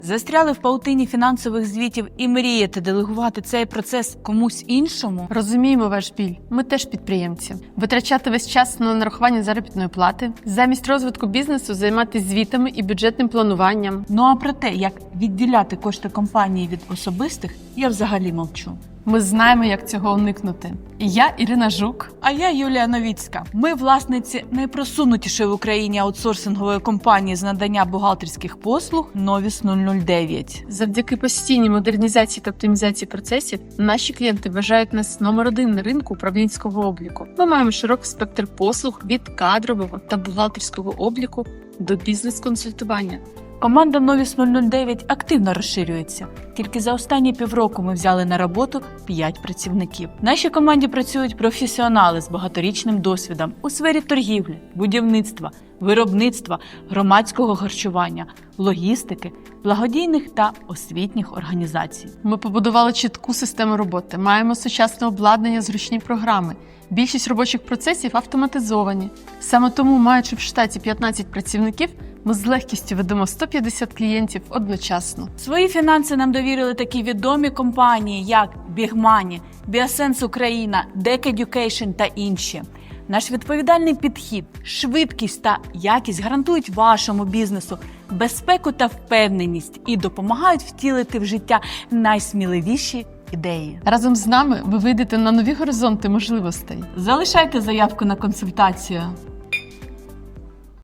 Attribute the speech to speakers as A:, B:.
A: Застряли в паутині фінансових звітів і мрієте делегувати цей процес комусь іншому?
B: Розуміємо ваш біль. Ми теж підприємці. Витрачати весь час на нарахування заробітної плати, замість розвитку бізнесу займатися звітами і бюджетним плануванням.
A: Ну а про те, як відділяти кошти компанії від особистих, я взагалі мовчу.
B: Ми знаємо, як цього уникнути. І я, Ірина Жук.
A: А я Юлія Новіцька. Ми власниці найпросунутішої в Україні аутсорсингової компанії з надання бухгалтерських послуг Novis 009.
B: Завдяки постійній модернізації та оптимізації процесів наші клієнти вважають нас номер один на ринку управлінського обліку. Ми маємо широкий спектр послуг від кадрового та бухгалтерського обліку до бізнес-консультування.
A: Команда Novis 009 активно розширюється. Тільки за останні півроку ми взяли на роботу 5 працівників. В нашій команді працюють професіонали з багаторічним досвідом у сфері торгівлі, будівництва, виробництва, громадського харчування, логістики, благодійних та освітніх організацій.
B: Ми побудували чітку систему роботи, маємо сучасне обладнання, зручні програми. Більшість робочих процесів автоматизовані. Саме тому, маючи в штаті 15 працівників, ми з легкістю ведемо 150 клієнтів одночасно.
A: Свої фінанси нам довірили такі відомі компанії, як Big Money, Biosense Україна, DEC Education та інші. Наш відповідальний підхід, швидкість та якість гарантують вашому бізнесу безпеку та впевненість і допомагають втілити в життя найсміливіші ідеї.
B: Разом з нами ви вийдете на нові горизонти можливостей.
A: Залишайте заявку на консультацію.